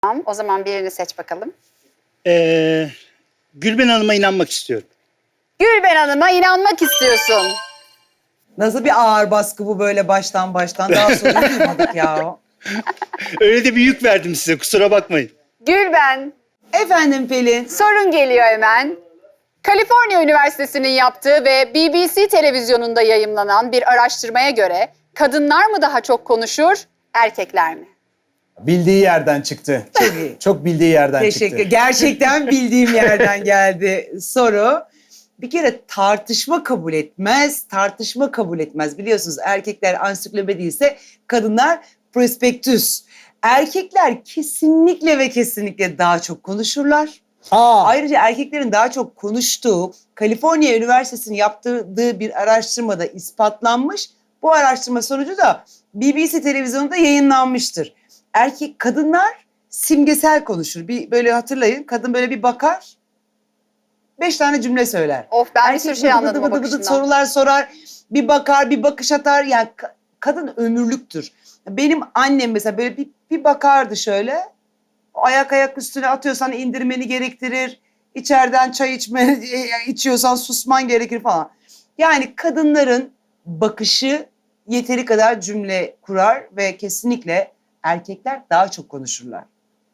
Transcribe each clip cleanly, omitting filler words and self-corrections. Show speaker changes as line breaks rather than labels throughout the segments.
Tamam, o zaman birini seç bakalım.
Gülben Hanım'a inanmak istiyorum.
Gülben Hanım'a inanmak istiyorsun.
Nasıl bir ağır baskı bu böyle baştan daha sonra duymadık ya.
Öyle de bir yük verdim size, kusura bakmayın.
Gülben,
Efendim Pelin.
sorun geliyor hemen. Kaliforniya Üniversitesi'nin yaptığı ve BBC televizyonunda yayımlanan bir araştırmaya göre kadınlar mı daha çok konuşur, erkekler mi?
Bildiği yerden çıktı.
Çok iyi.
Çok bildiği yerden
Teşekkür.
çıktı.
Gerçekten bildiğim yerden geldi soru. Bir kere tartışma kabul etmez. Tartışma kabul etmez. Biliyorsunuz erkekler ansiklopedi ise kadınlar prospektüs. Erkekler kesinlikle ve kesinlikle daha çok konuşurlar. Ayrıca erkeklerin daha çok konuştuğu Kaliforniya Üniversitesi'nin yaptırdığı bir araştırmada ispatlanmış. Bu araştırma sonucu da BBC televizyonunda yayınlanmıştır. Kadınlar simgesel konuşur. Bir böyle hatırlayın. Kadın böyle bir bakar. 5 tane cümle söyler.
Of, ben bir
Erkek
sürü şey anladım o
bıdı bıdı
bakışından.
sorular sorar. Bir bakar, bir bakış atar. Yani kadın ömürlüktür. Benim annem mesela böyle bir bakardı şöyle. Ayak üstüne atıyorsan indirmeni gerektirir. İçeriden çay içiyorsan susman gerekir falan. Yani kadınların bakışı yeteri kadar cümle kurar ve kesinlikle erkekler daha çok konuşurlar.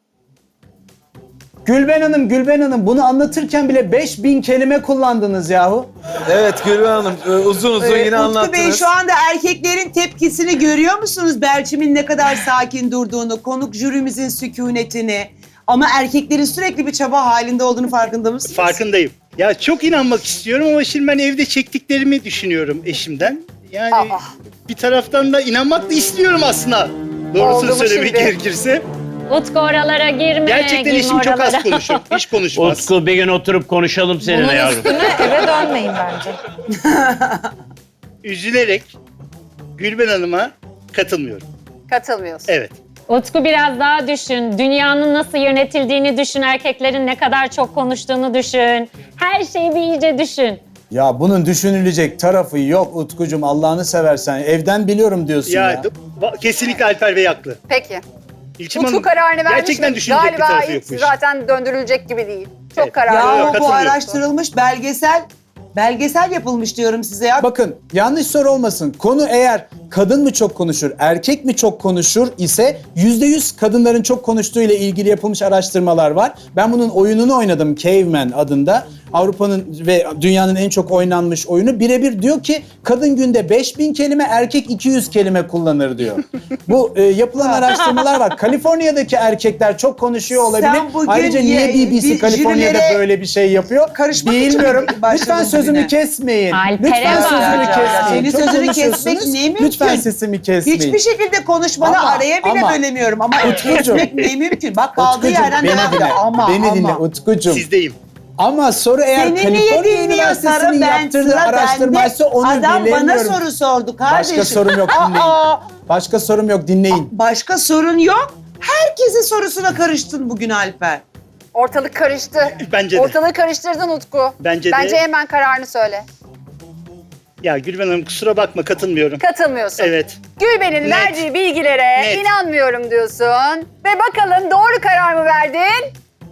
Gülben Hanım bunu anlatırken bile 5000 kelime kullandınız yahu.
Evet Gülben Hanım uzun yine
Utku
anlattınız.
Bey şu anda erkeklerin tepkisini görüyor musunuz? Belçim'in ne kadar sakin durduğunu, konuk jürimizin sükunetini. Ama erkeklerin sürekli bir çaba halinde olduğunu farkında mısınız?
Farkındayım. Ya çok inanmak istiyorum ama şimdi ben evde çektiklerimi düşünüyorum eşimden. Yani bir taraftan da inanmak da istiyorum aslında. Doğrusunu
Oldu mu
söylemek
şimdi?
gerekirse.
Utku oralara girme.
Gerçekten
girme
eşim çok az
oralara.
konuşur. Hiç konuşmaz.
Utku bir gün oturup konuşalım seninle yavrum.
Eve dönmeyin bence.
Üzülerek Gülben Hanım'a katılmıyorum.
Katılmıyorsun.
Evet.
Utku biraz daha düşün. Dünyanın nasıl yönetildiğini düşün. Erkeklerin ne kadar çok konuştuğunu düşün. Her şeyi bir iyice düşün.
Ya bunun düşünülecek tarafı yok Utkucuğum, Allah'ını seversen. Evden biliyorum diyorsun ya.
Kesinlikle Alper Bey haklı.
Peki.
İlçim
Utku
Hanım,
kararını vermiş
gerçekten
mi?
düşünecek bir
Galiba
tarafı yok
hiç
bu işin.
zaten döndürülecek gibi değil. Çok
Evet.
kararlı.
Yahu bu
katılıyorum.
araştırılmış belgesel yapılmış diyorum size ya.
Bakın yanlış soru olmasın. Konu eğer kadın mı çok konuşur, erkek mi çok konuşur ise %100 kadınların çok konuştuğu ile ilgili yapılmış araştırmalar var. Ben bunun oyununu oynadım, Caveman adında. Avrupa'nın ve dünyanın en çok oynanmış oyunu. Birebir diyor ki kadın günde 5000 kelime, erkek 200 kelime kullanır diyor. Bu yapılan araştırmalar var. Kaliforniya'daki erkekler çok konuşuyor olabilir.
Sen bugün
Ayrıca niye BBC
bir
Kaliforniya'da
jürilere
böyle bir şey yapıyor?
karışmak için
Bilmiyorum.
mi başladın
Lütfen sözümü
bugüne?
kesmeyin.
Alper'e
Lütfen
bak.
sözümü
Ya,
kesmeyin.
senin
Çok
sözünü
konuşuyorsunuz.
kesmek ne mümkün?
Lütfen sesimi kesmeyin.
Hiçbir şekilde konuşmanı
Ama-
araya bile
ama-
bölemiyorum ama
Utkucuğum.
kesmek ne mümkün? Bak kaldığı
Utkucuğum,
yerden
beni
devam
dinle.
ediyor. Ama
Beni dinle
ama.
Utkucuğum.
Sizdeyim.
Ama soru eğer
Seni niye
Kaliforniya
dinliyor
Üniversitesi'nin
Sarı? Ben
yaptırdığı
sıra
araştırmaysa
bende.
onu
Adam
bilemiyorum.
bana soru sordu kardeşim.
Başka sorum yok, dinleyin. Başka sorum yok, dinleyin.
Başka sorun yok. Herkesin sorusuna karıştın bugün Alper.
Ortalık karıştı.
Bence de.
Ortalığı karıştırdın Utku.
Bence de.
Bence hemen kararını söyle.
Ya Gülben Hanım kusura bakma, katılmıyorum.
Katılmıyorsun.
Evet.
Gülben'in
Net.
verdiği bilgilere
Net.
inanmıyorum diyorsun. Ve bakalım doğru karar mı verdin?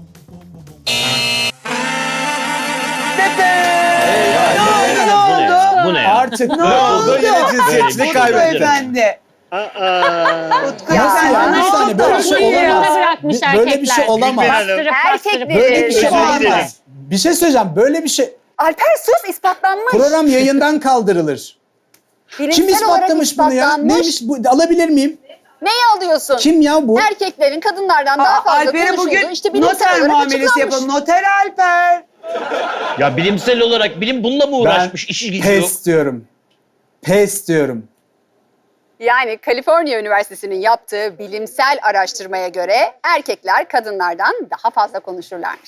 Ne oldu?
Bu ne ya?
Artık
Ne oldu?
Yine cinsiyetçilik
Utku
kaybetti.
efendi.
Aa.
Utku
Nasıl
efendi.
ya? Bir
Ne
saniye,
oldu?
böyle bir şey
Uyuyor,
olamaz.
bırakmış
Böyle bir şey
erkekler.
olamaz.
Gülben Hanım.
Bastırıp bastırıp.
Böyle bir şey
Özür
olamaz.
dilerim.
Bir şey söyleyeceğim. Böyle bir şey
Alper sus, ispatlanmış.
program yayından kaldırılır.
Bilimsel
Kim
olarak
ispatlamış bunu ya?
ispatlanmış.
Neymiş bu? Alabilir miyim?
Neyi alıyorsun?
Kim ya bu?
Erkeklerin kadınlardan daha fazla
Alper'e
konuşulduğu
bugün
işte bilimsel
noter
olarak
muamelesi
açıklanmış.
yapalım. Noter Alper.
Ya bilimsel olarak bilim bununla mı uğraşmış? İşi gücü yok.
Pes diyorum. Pes diyorum.
Yani Kaliforniya Üniversitesi'nin yaptığı bilimsel araştırmaya göre erkekler kadınlardan daha fazla konuşurlarmış.